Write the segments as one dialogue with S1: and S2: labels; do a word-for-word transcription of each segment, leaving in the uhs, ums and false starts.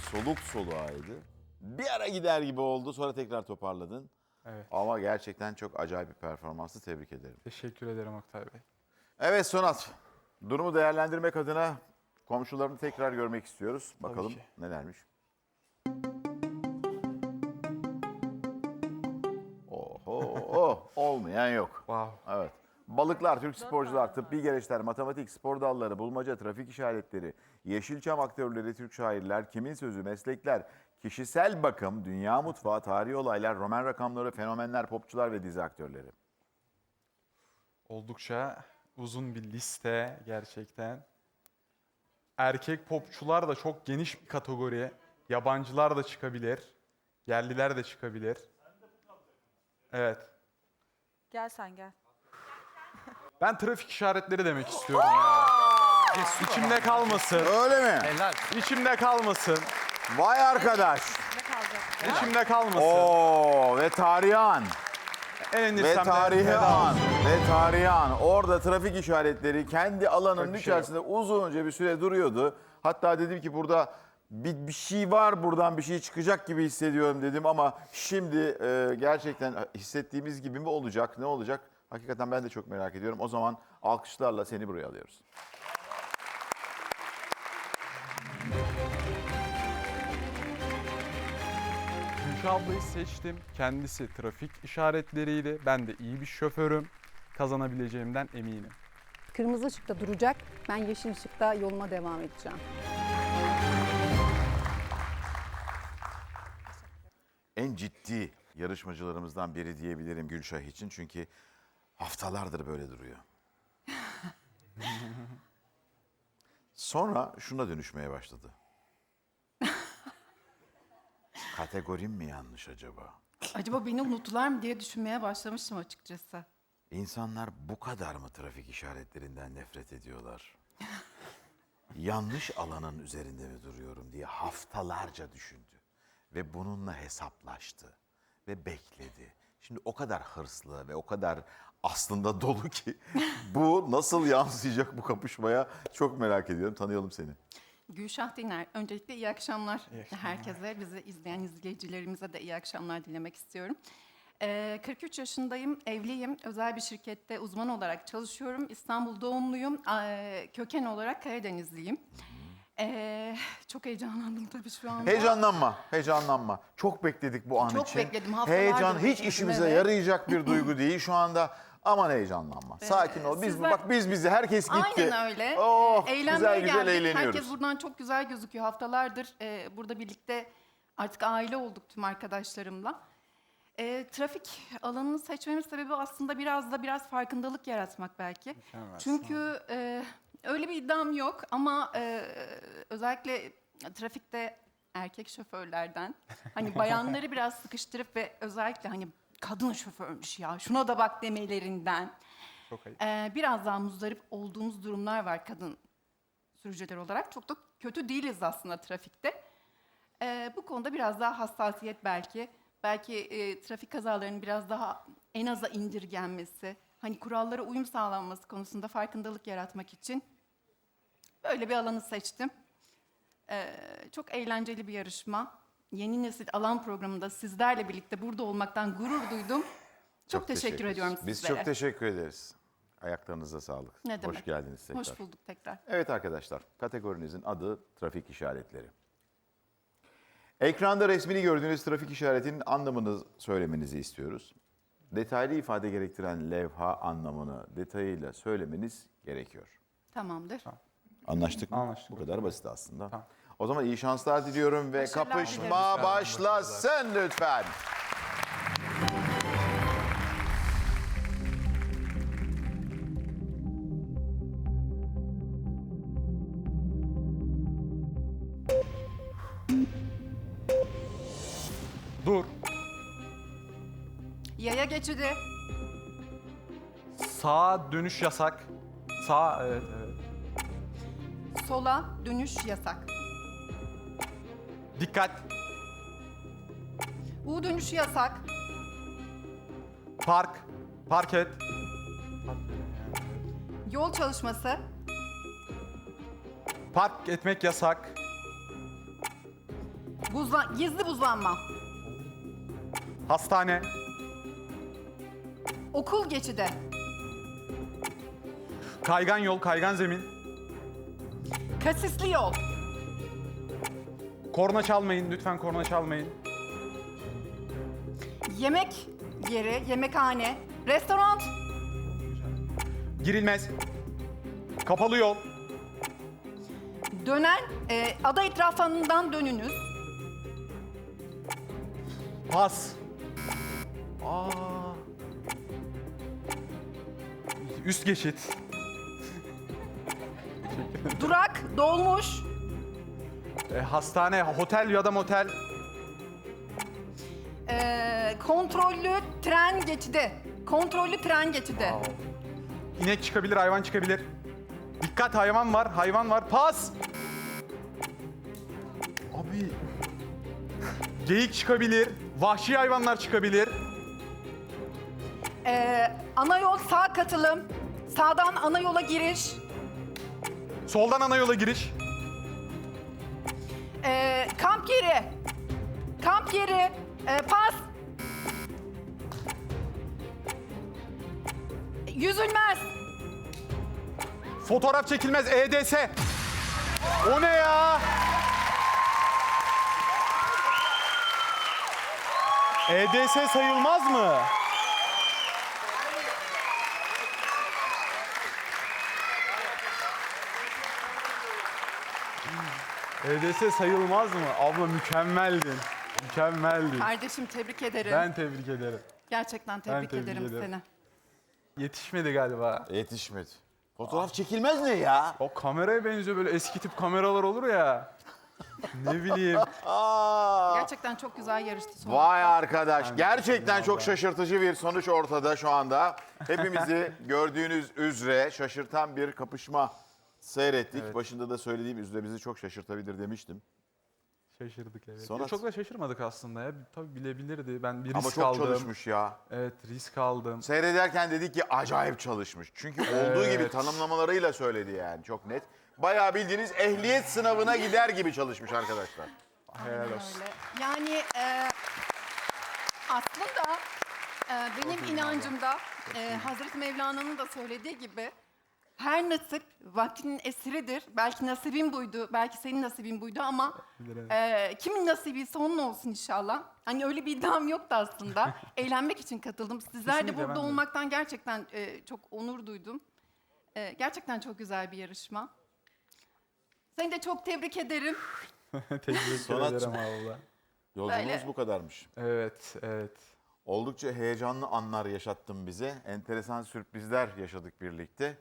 S1: soluk soluğaydı. Bir ara gider gibi oldu, sonra tekrar toparladın.
S2: Evet.
S1: Ama gerçekten çok acayip bir performansı, tebrik ederim.
S2: Teşekkür ederim Oktay Bey.
S1: Evet Sonat, durumu değerlendirmek adına komşularını tekrar görmek istiyoruz. Bakalım
S2: ki.
S1: nelermiş. Oho, oh, olmayan yok.
S2: Wow.
S1: Evet. Balıklar, Türk sporcular, tıbbi gereçler, matematik, spor dalları, bulmaca, trafik işaretleri, Yeşilçam aktörleri, Türk şairler, kimin sözü, meslekler, kişisel bakım, dünya mutfağı, tarihi olaylar, roman rakamları, fenomenler, popçular ve dizi aktörleri.
S2: Oldukça uzun bir liste gerçekten. Erkek popçular da çok geniş bir kategori. Yabancılar da çıkabilir. Yerliler de çıkabilir. Evet.
S3: Gel sen gel.
S2: Ben trafik işaretleri demek istiyorum ya. İçimde kalmasın.
S1: Öyle mi?
S4: Helal.
S2: İçimde kalmasın.
S1: Vay arkadaş.
S3: Ne kalacak?
S2: İçimde kalmasın.
S1: Oo ve tarihi an. Ve
S2: Eğlenirsem de
S1: tarihi
S2: veda
S1: an.
S2: olsun.
S1: Ve tarihi an. Orada trafik işaretleri kendi alanının
S2: Çok bir şey
S1: içerisinde uzunca bir süre duruyordu. Hatta dedim ki burada bir, bir şey var, buradan bir şey çıkacak gibi hissediyorum dedim ama şimdi e, gerçekten hissettiğimiz gibi mi olacak, ne olacak? Hakikaten ben de çok merak ediyorum. O zaman alkışlarla seni buraya alıyoruz.
S2: Gülşah ablayı seçtim. Kendisi trafik işaretleriydi. Ben de iyi bir şoförüm. Kazanabileceğimden eminim.
S5: Kırmızı ışıkta duracak. Ben yeşil ışıkta yoluma devam edeceğim.
S1: En ciddi yarışmacılarımızdan biri diyebilirim Gülşah için. Çünkü haftalardır böyle duruyor. Sonra şuna dönüşmeye başladı. Kategorim mi yanlış acaba?
S6: Acaba beni unuttular mı diye düşünmeye başlamıştım açıkçası.
S1: İnsanlar bu kadar mı trafik işaretlerinden nefret ediyorlar? Yanlış alanın üzerinde mi duruyorum diye haftalarca düşündü. Ve bununla hesaplaştı. Ve bekledi. Şimdi o kadar hırslı ve o kadar aslında dolu ki bu nasıl yansıyacak bu kapışmaya çok merak ediyorum. Tanıyalım seni.
S6: Gülşah Diner, öncelikle iyi akşamlar.
S2: İyi akşamlar.
S6: Herkese, bizi izleyen izleyicilerimize de iyi akşamlar dilemek istiyorum. Ee, kırk üç yaşındayım, evliyim. Özel bir şirkette uzman olarak çalışıyorum. İstanbul doğumluyum. Ee, köken olarak Karadenizliyim. Ee, çok heyecanlandım tabii şu anda.
S1: Heyecanlanma, heyecanlanma. Çok bekledik bu an
S6: Çok
S1: için.
S6: bekledim, haftalardır
S1: Heyecan hiç
S6: bekledim,
S1: işimize
S6: evet.
S1: yarayacak bir duygu değil şu anda. Aman heyecanlanma. Sakin ol. Biz
S6: sizler-
S1: bak biz bizi herkes gitti.
S6: Aynen öyle.
S1: Oh,
S6: Ee, eğlenmeye
S1: güzel güzel
S6: geldik.
S1: eğleniyoruz.
S6: Herkes buradan çok güzel gözüküyor. Haftalardır e, burada birlikte artık aile olduk tüm arkadaşlarımla. E, trafik alanını seçmemin sebebi aslında biraz da biraz farkındalık yaratmak belki.
S2: Mükemmel,
S6: Çünkü e, öyle bir iddiam yok ama e, özellikle trafikte erkek şoförlerden hani bayanları biraz sıkıştırıp ve özellikle hani kadın şoförmüş ya şuna da bak demelerinden
S2: Çok ayıp.
S6: ee, biraz daha muzdarip olduğumuz durumlar var kadın sürücüler olarak. Çok da kötü değiliz aslında trafikte. Ee, bu konuda biraz daha hassasiyet belki. Belki e, trafik kazalarının biraz daha en aza indirgenmesi, hani kurallara uyum sağlanması konusunda farkındalık yaratmak için böyle bir alanı seçtim. Ee, çok eğlenceli bir yarışma. Yeni Nesil Alan programında sizlerle birlikte burada olmaktan gurur duydum. Çok, teşekkür
S1: teşekkürler.
S6: ediyorum
S1: Biz
S6: sizlere.
S1: çok teşekkür ederiz. Ayaklarınıza sağlık.
S6: Ne demek?
S1: Hoş geldiniz tekrar.
S6: Hoş bulduk tekrar.
S1: Evet arkadaşlar, kategorinizin adı trafik işaretleri. Ekranda resmini gördüğünüz trafik işaretinin anlamını söylemenizi istiyoruz. Detaylı ifade gerektiren levha anlamını detayıyla söylemeniz gerekiyor.
S6: Tamamdır.
S1: Anlaştık mı?
S2: Anlaştık.
S1: Bu kadar basit aslında.
S2: Tamam.
S1: O zaman iyi şanslar diliyorum ve
S6: Başarılar
S1: kapışma
S6: dilerim.
S1: başlasın lütfen.
S2: Dur.
S6: Yaya geçidi,
S2: Sağa dönüş yasak. Sağ, evet, evet.
S6: sola dönüş yasak.
S2: Dikkat.
S6: U dönüşü yasak.
S2: Park. Park et.
S6: Yol çalışması,
S2: Park etmek yasak.
S6: Buzla- gizli buzlanma.
S2: Hastane.
S6: Okul geçidi.
S2: Kaygan yol, kaygan zemin.
S6: Kasisli yol.
S2: Korna çalmayın, lütfen korna çalmayın.
S6: Yemek yeri, yemekhane. Restoran.
S2: Girilmez. Kapalı yol.
S6: Dönen, e, ada etrafından dönünüz.
S2: Pas. Aa. Üst geçit.
S6: Durak, dolmuş.
S2: E, hastane, otel ya da motel.
S6: E, kontrollü tren geçidi. Kontrollü tren geçidi.
S2: İnek çıkabilir, hayvan çıkabilir. Dikkat, hayvan var, hayvan var. Pas. Abi. Geyik çıkabilir, vahşi hayvanlar çıkabilir.
S6: E, ana yol sağ katılım. Sağdan ana yola giriş.
S2: Soldan ana yola giriş.
S6: E, kamp yeri. Kamp yeri. E, pas. Yüzülmez.
S2: Fotoğraf çekilmez, E D S. O ne ya? E D S sayılmaz mı? E D S sayılmaz mı? Abla mükemmeldin. Mükemmeldin.
S6: Kardeşim tebrik ederim.
S2: Ben tebrik ederim.
S6: Gerçekten tebrik,
S2: tebrik
S6: ederim,
S2: ederim.
S6: seni.
S2: Yetişmedi galiba.
S1: Yetişmedi. Fotoğraf çekilmez ne ya?
S2: O kameraya benziyor, böyle eski tip kameralar olur ya. Ne bileyim.
S1: Aa.
S6: Gerçekten çok güzel yarıştı sonuçta.
S1: Vay arkadaş. Gerçekten çok
S2: vallahi.
S1: şaşırtıcı bir sonuç ortada şu anda. Hepimizi gördüğünüz üzere şaşırtan bir kapışma seyrettik.
S2: Evet.
S1: Başında da söylediğim üzere bizi çok şaşırtabilir demiştim.
S2: Şaşırdık evet.
S1: Sonra-
S2: Ya çok da şaşırmadık aslında ya. Tabii bilebilirdi. Ben bir
S1: Ama
S2: risk
S1: çok
S2: aldım.
S1: çalışmış ya.
S2: Evet, risk aldım.
S1: Seyrederken dedik ki acayip çalışmış. Çünkü olduğu gibi
S2: Evet.
S1: tanımlamalarıyla söyledi yani çok net. Bayağı bildiğiniz ehliyet sınavına gider gibi çalışmış arkadaşlar.
S2: Helal
S6: Aynen
S2: olsun.
S6: öyle. Yani e, aslında e, benim inancımda e, Hazreti Mevlana'nın da söylediği gibi her nasip vaktinin esiridir. Belki nasibin buydu, belki senin nasibin buydu ama
S2: Bilir,
S6: e, kimin nasibiyse onun olsun inşallah. Hani öyle bir iddiam yoktu aslında. Eğlenmek için katıldım. Sizler de
S2: Kesinlikle,
S6: burada
S2: ben de.
S6: olmaktan gerçekten e, çok onur duydum. E, gerçekten çok güzel bir yarışma. Seni de çok tebrik ederim.
S2: Teşekkür
S1: Sonatçı.
S2: ederim abla.
S1: Yolculuğumuz
S6: Böyle.
S1: bu kadarmış.
S2: Evet, evet.
S1: Oldukça heyecanlı anlar yaşattın bize. Enteresan sürprizler yaşadık birlikte.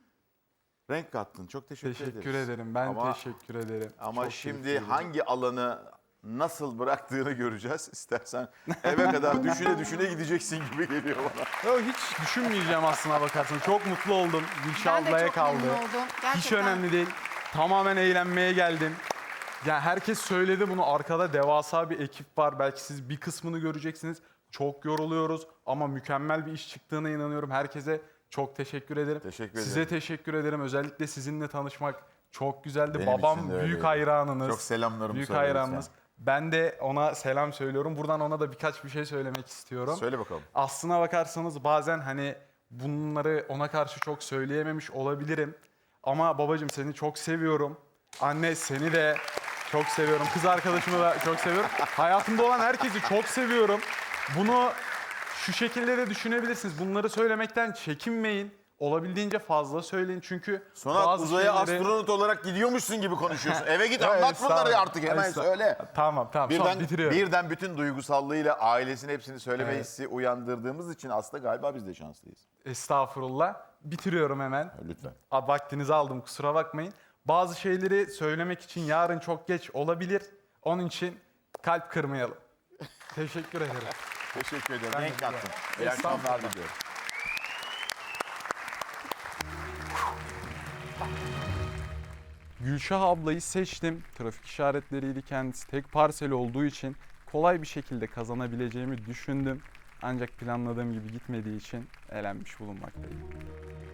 S1: Renk kattın. Çok teşekkür,
S2: Teşekkür
S1: ederiz.
S2: ederim. Ben
S1: Ama-
S2: teşekkür ederim.
S1: Ama
S2: Çok
S1: şimdi
S2: keyifliydi.
S1: hangi alanı nasıl bıraktığını göreceğiz. İstersen eve kadar düşüne düşüne gideceksin gibi geliyor bana.
S2: Yo, hiç düşünmeyeceğim aslına bakarsan. Çok mutlu oldum. Gülşah
S6: Ben de
S2: ablaya
S6: çok
S2: kaldı.
S6: memnun oldum. Gerçekten.
S2: Hiç önemli değil. Tamamen eğlenmeye geldim. Ya herkes söyledi bunu. Arkada devasa bir ekip var. Belki siz bir kısmını göreceksiniz. Çok yoruluyoruz ama mükemmel bir iş çıktığına inanıyorum. Herkese çok teşekkür ederim.
S1: Teşekkür
S2: Size
S1: ederim.
S2: teşekkür ederim. Özellikle sizinle tanışmak çok güzeldi.
S1: Benim için
S2: Babam
S1: de
S2: büyük
S1: öyleydi.
S2: hayranınız.
S1: Çok selamlarımı
S2: Büyük
S1: söyle
S2: hayranınız.
S1: lütfen.
S2: Ben de ona selam söylüyorum. Buradan ona da birkaç bir şey söylemek istiyorum.
S1: Söyle bakalım.
S2: Aslına bakarsanız bazen hani bunları ona karşı çok söyleyememiş olabilirim. Ama babacığım seni çok seviyorum. Anne seni de çok seviyorum. Kız arkadaşımı da çok seviyorum. Hayatımda olan herkesi çok seviyorum. Bunu şu şekilde de düşünebilirsiniz. Bunları söylemekten çekinmeyin. Olabildiğince fazla söyleyin çünkü
S1: Sonra
S2: bazı
S1: uzaya
S2: şeyleri...
S1: astronot olarak gidiyormuşsun gibi konuşuyorsun. Eve git
S2: Evet,
S1: anlat bunları
S2: estağfurullah.
S1: artık hemen
S2: Estağ-
S1: söyle.
S2: Tamam tamam. Son
S1: Birden,
S2: bitiriyorum.
S1: birden bütün duygusallığıyla ailesinin hepsini söyleme
S2: Evet.
S1: hissi uyandırdığımız için aslında galiba biz de şanslıyız.
S2: Estağfurullah. Bitiriyorum hemen.
S1: Lütfen.
S2: A, Vaktinizi aldım, kusura bakmayın. Bazı şeyleri söylemek için yarın çok geç olabilir. Onun için kalp kırmayalım. Teşekkür ederim.
S1: Teşekkür ederim.
S2: Ben de
S1: Renk
S2: güzel.
S1: kattın. İyi akşamlar
S2: Estağfurullah.
S1: diliyorum.
S2: Gülşah ablayı seçtim. Trafik işaretleriydi kendisi. Tek parsel olduğu için kolay bir şekilde kazanabileceğimi düşündüm. Ancak planladığım gibi gitmediği için elenmiş bulunmaktayım.